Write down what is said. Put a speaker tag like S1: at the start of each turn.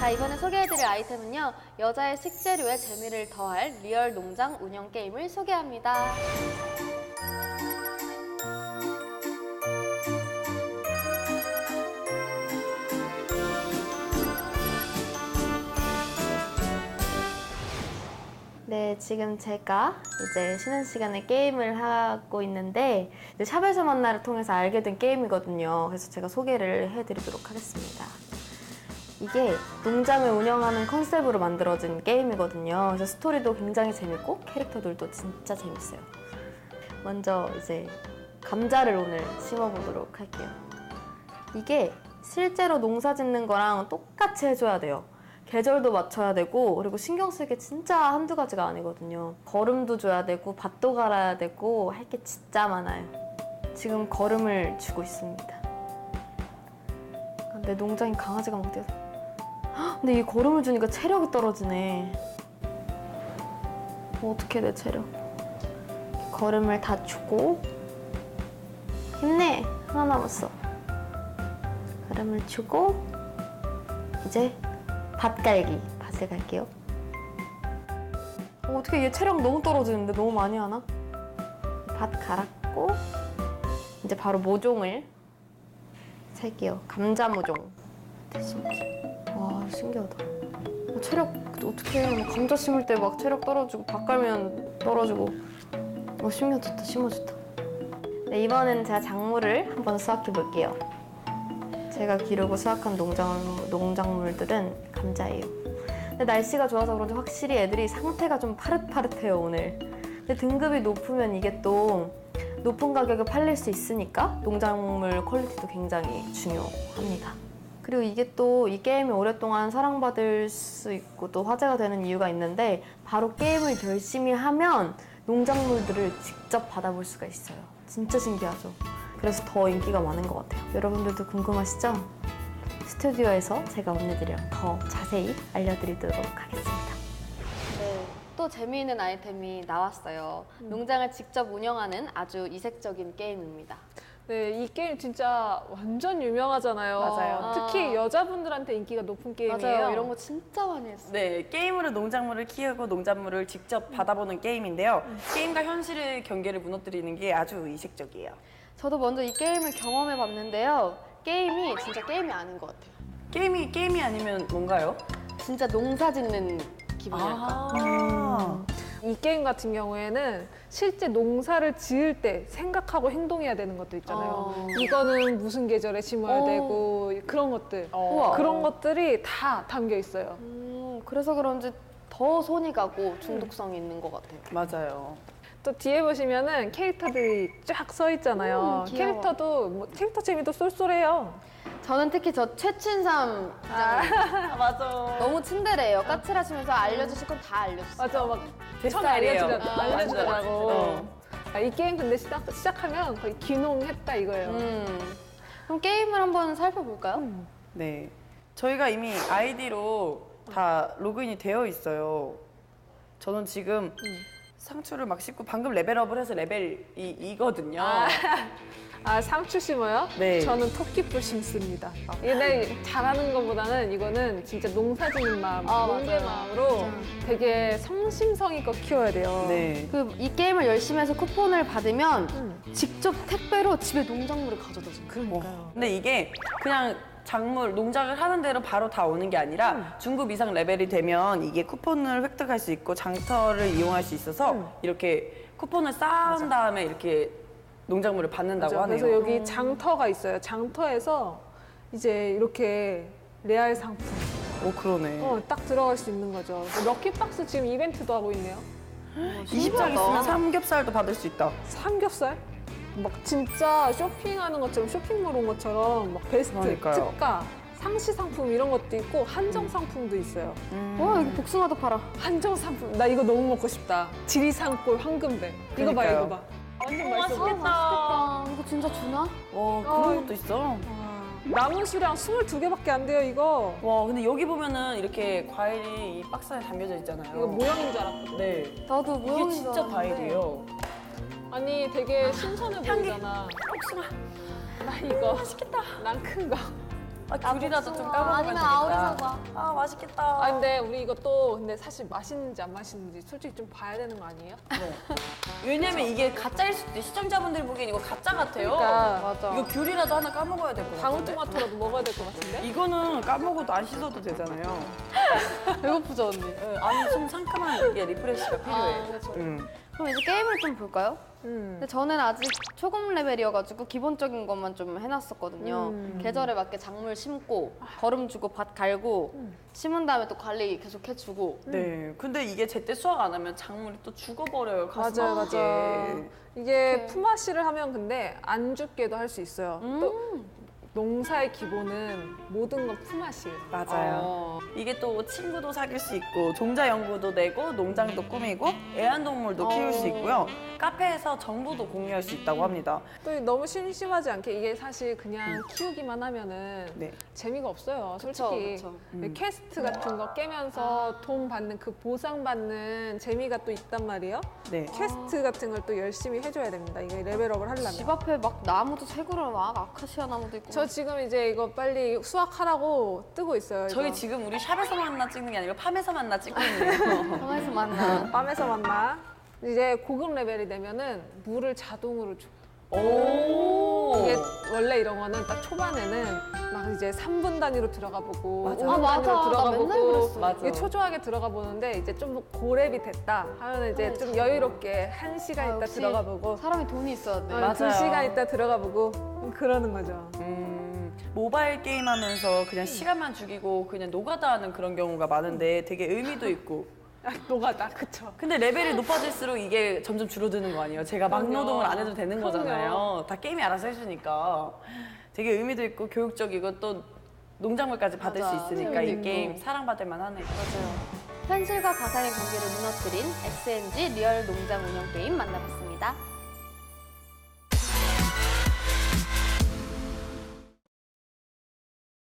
S1: 자, 이번에 소개해드릴 아이템은요, 여자의 식재료에 재미를 더할 리얼 농장 운영 게임을 소개합니다. 네, 지금 제가 이제 쉬는 시간에 게임을 하고 있는데 이제 샵에서 만나를 통해서 알게 된 게임이거든요. 그래서 제가 소개를 해드리도록 하겠습니다. 이게 농장을 운영하는 컨셉으로 만들어진 게임이거든요. 그래서 스토리도 굉장히 재밌고 캐릭터들도 진짜 재밌어요. 먼저 이제 감자를 오늘 심어보도록 할게요. 이게 실제로 농사 짓는 거랑 똑같이 해줘야 돼요. 계절도 맞춰야 되고, 그리고 신경 쓸 게 진짜 한두 가지가 아니거든요. 거름도 줘야 되고 밭도 갈아야 되고 할 게 진짜 많아요. 지금 거름을 주고 있습니다. 근데 농장에 강아지가 막 뛰어서, 근데 이 거름을 주니까 체력이 떨어지네. 어떻게 내 체력. 거름을 다 주고, 힘내! 하나 남았어. 거름을 주고 이제 밭 갈기. 밭을 갈게요. 어떻게 얘 체력 너무 떨어지는데 너무 많이 하나? 밭 갈았고 이제 바로 모종을 살게요. 감자 모종. 와, 신기하다. 체력 어떻게 해? 감자 심을 때 막 체력 떨어지고 밭 갈면 떨어지고. 신기하다. 심어졌다. 네, 이번엔 제가 작물을 한번 수확해 볼게요. 제가 기르고 수확한 농작물들은 감자예요. 근데 날씨가 좋아서 그런지 확실히 애들이 상태가 좀 파릇파릇해요, 오늘. 근데 등급이 높으면 이게 또 높은 가격에 팔릴 수 있으니까 농작물 퀄리티도 굉장히 중요합니다. 그리고 이게 또 이 게임이 오랫동안 사랑받을 수 있고 또 화제가 되는 이유가 있는데, 바로 게임을 열심히 하면 농작물들을 직접 받아볼 수가 있어요. 진짜 신기하죠? 그래서 더 인기가 많은 것 같아요. 여러분들도 궁금하시죠? 스튜디오에서 제가 언니들이랑 더 자세히 알려드리도록 하겠습니다. 네, 또 재미있는 아이템이 나왔어요. 농장을 직접 운영하는 아주 이색적인 게임입니다.
S2: 네, 이 게임 진짜 완전 유명하잖아요.
S3: 맞아요.
S2: 특히 여자분들한테 인기가 높은 게임이에요.
S1: 맞아요. 이런 거 진짜 많이 했어요.
S3: 네, 게임으로 농작물을 키우고 농작물을 직접 받아보는 게임인데요. 게임과 현실의 경계를 무너뜨리는 게 아주 이색적이에요.
S1: 저도 먼저 이 게임을 경험해 봤는데요. 게임이 진짜 게임이 아닌 것 같아요.
S3: 게임이 아니면 뭔가요?
S1: 진짜 농사 짓는 기분이랄까.
S2: 이 게임 같은 경우에는 실제 농사를 지을 때 생각하고 행동해야 되는 것도 있잖아요. 이거는 무슨 계절에 심어야 되고 그런 것들.
S1: 우와.
S2: 그런 것들이 다 담겨 있어요.
S1: 그래서 그런지 더 손이 가고 중독성이 있는 것 같아요.
S3: 맞아요.
S2: 또 뒤에 보시면은 캐릭터들이 쫙 서 있잖아요.
S1: 귀여워.
S2: 캐릭터도 캐릭터 재미도 쏠쏠해요.
S1: 저는 특히 저 최춘삼 부장님
S3: 맞아.
S1: 너무 츤데레예요. 까칠하시면서 알려주실 건 다 알려주세요.
S2: 맞아, 막
S3: 제
S2: 처음에
S3: 스타일이에요.
S2: 알려주더라고.
S3: 완전.
S2: 이 게임 근데 시작하면 거의 귀농했다 이거예요.
S1: 그럼 게임을 한번 살펴볼까요?
S3: 네. 저희가 이미 아이디로 다 로그인이 되어 있어요. 저는 지금 상추를 막 씹고 방금 레벨업을 해서 레벨이 2거든요.
S2: 상추 심어요?
S3: 네.
S2: 저는 토끼풀 심습니다. 근데 잘하는 것보다는 이거는 진짜 농사 짓는 마음, 농부의
S1: 맞아요.
S2: 마음으로 되게 성심성의껏 키워야 돼요.
S3: 네.
S1: 이 게임을 열심히 해서 쿠폰을 받으면 직접 택배로 집에 농작물을 가져다 줘요.
S2: 그러니까요.
S3: 근데 이게 그냥 작물, 농작을 하는 대로 바로 다 오는 게 아니라 중급 이상 레벨이 되면 이게 쿠폰을 획득할 수 있고 장터를 이용할 수 있어서 이렇게 쿠폰을 쌓은 다음에 이렇게 농작물을 받는다고
S2: 맞아.
S3: 하네요.
S2: 그래서 여기 장터가 있어요. 장터에서 이제 이렇게 레알 상품
S3: 오, 그러네.
S2: 딱 들어갈 수 있는 거죠. 럭키박스 지금 이벤트도 하고 있네요.
S3: 20장 있으면 삼겹살도 받을 수 있다.
S2: 삼겹살? 막 진짜 쇼핑하는 것처럼 쇼핑몰 온 것처럼 막 베스트,
S3: 그러니까요.
S2: 특가, 상시 상품 이런 것도 있고 한정 상품도 있어요.
S1: 와, 여기 복숭아도 팔아.
S2: 한정 상품 나 이거 너무 먹고 싶다. 지리산골 황금배. 이거 봐
S3: 그러니까요.
S2: 이거 봐. 완전 맛있어.
S1: 맛있겠다. 이거 진짜 주나?
S3: 와, 그런 것도 있어.
S2: 남은 수량 22개밖에 안 돼요 이거.
S3: 와, 근데 여기 보면은 이렇게 과일이 이 박스 안에 담겨져 있잖아요.
S2: 이거 모양인 줄 알았거든.
S3: 네.
S1: 나도
S3: 이게
S1: 모형인
S3: 진짜
S1: 줄 알았는데.
S3: 과일이에요.
S2: 아니 되게 신선해 보이잖아.
S3: 복숭아.
S2: 나 이거 맛있겠다. 난 큰 거.
S3: 아, 귤이라도 좀
S1: 복숭아,
S3: 까먹으면
S1: 아니면
S3: 되겠다.
S1: 아오리 사과.
S3: 아, 맛있겠다.
S2: 아 근데 우리 이것도 근데 사실 맛있는지 안 맛있는지 솔직히 좀 봐야 되는 거 아니에요?
S3: 네. 왜냐면 이게 가짜일 수도 있어. 시청자분들이 보기엔 이거 가짜 같아요.
S2: 그러니까
S1: 맞아.
S3: 이거 귤이라도 하나 까먹어야 될 것 같아.
S2: 방울토마토라도 먹어야 될 것 같은데?
S3: 이거는 까먹어도 안 씻어도 되잖아요.
S1: 배고프죠 언니?
S3: 네, 아니 좀 상큼한 이게 리프레시가 필요해.
S2: 그렇죠.
S1: 그럼 이제 게임을 좀 볼까요?
S2: 음.
S1: 근데 저는 아직 초급 레벨이어가지고 기본적인 것만 좀 해놨었거든요. 계절에 맞게 작물 심고 거름 주고 밭 갈고 심은 다음에 또 관리 계속 해주고.
S3: 네. 근데 이게 제때 수확 안 하면 작물이 또 죽어버려요. 가슴
S2: 맞아요,
S3: 아프게.
S2: 맞아. 이게 품앗이를 하면 근데 안 죽게도 할 수 있어요. 또 농사의 기본은 모든 건 품앗이에요.
S3: 맞아요. 이게 또 친구도 사귈 수 있고 종자 연구도 내고 농장도 꾸미고 애완동물도 키울 수 있고요. 카페에서 정보도 공유할 수 있다고 합니다.
S2: 또 너무 심심하지 않게 이게 사실 그냥 키우기만 하면은
S3: 네.
S2: 재미가 없어요, 솔직히.
S1: 그쵸.
S2: 퀘스트 같은 거 깨면서 돈 받는 그 보상 받는 재미가 또 있단 말이에요.
S3: 네.
S2: 퀘스트 같은 걸 또 열심히 해줘야 됩니다. 이게 레벨업을 하려면.
S1: 집 앞에 막 나무도 새구려 막 아카시아 나무도 있고.
S2: 저 지금 이제 이거 빨리 수확하라고 뜨고 있어요.
S3: 저희
S2: 이거.
S3: 지금 우리 샵에서 만나 찍는 게 아니고 팜에서 만나 찍고 있네요.
S1: 방에서 만나.
S2: 밤에서 만나. 이제 고급 레벨이 되면은 물을 자동으로 줘.
S3: 오.
S2: 이게 원래 이런 거는 딱 초반에는 막 이제 3분 단위로 들어가 보고
S3: 맞아.
S2: 5분
S1: 아, 맞아.
S2: 단위로 들어가
S1: 나 맨날
S2: 보고
S1: 그랬어.
S3: 맞아.
S2: 이게 초조하게 들어가 보는데 이제 좀 고렙이 됐다 하면 이제 좀 여유롭게 1시간
S1: 아,
S2: 있다
S1: 역시
S2: 들어가 보고
S1: 사람이 돈이 있어야 돼.
S3: 맞아요.
S2: 2시간 있다 들어가 보고 그러는 거죠.
S3: 모바일 게임 하면서 그냥 시간만 죽이고 그냥 노가다 하는 그런 경우가 많은데 되게 의미도 있고.
S2: 노가다 그쵸.
S3: 근데 레벨이 높아질수록 이게 점점 줄어드는 거 아니에요? 제가 막
S2: 그럼요.
S3: 노동을 안 해도 되는
S2: 그럼요.
S3: 거잖아요. 다 게임이 알아서 해주니까. 되게 의미도 있고 교육적이고 또 농작물까지 받을
S1: 맞아.
S3: 수 있으니까 이
S1: 재미도
S3: 게임
S1: 있고.
S3: 사랑받을 만하네요.
S1: 현실과 가상의 경계를 무너뜨린 SNG 리얼 농장 운영 게임 만나봤습니다.